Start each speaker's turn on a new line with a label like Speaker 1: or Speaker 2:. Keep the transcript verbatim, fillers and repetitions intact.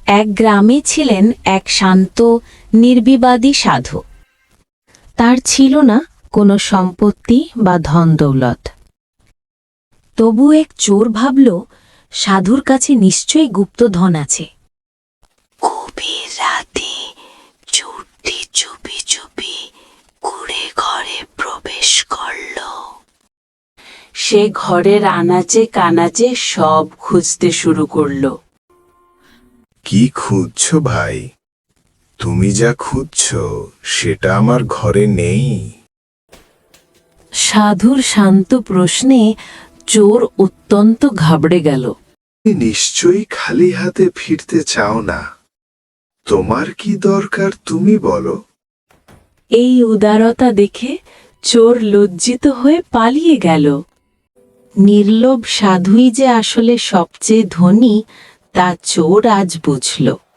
Speaker 1: এক গ্রামে ছিলেন এক শান্ত নির্বিবাদী সাধু। তার ছিল না কোনো সম্পত্তি বা ধন দৌলত। তবু এক চোর ভাবল, সাধুর কাছে নিশ্চয়ই গুপ্ত ধন আছে। গভীর রাতে চোরটি চুপি চুপি কুঁড়ে ঘরে প্রবেশ করল। সে ঘরের আনাচে কানাচে সব খুঁজতে শুরু করল।
Speaker 2: কি খুঁজছো ভাই? তুমি যা খুঁজছো সেটা আমার ঘরে নেই।
Speaker 1: সাধুর শান্ত প্রশ্নে চোর অত্যন্ত ঘাবড়ে গেল।
Speaker 2: তুমি নিশ্চয়ই খালি হাতে ফিরতে চাও না। তোমার কি দরকার তুমি বলো।
Speaker 1: এই উদারতা দেখে চোর লজ্জিত হয়ে পালিয়ে গেল। নির্লোভ সাধুই যে আসলে সবচেয়ে ধনী তা চোর আজ বুঝল।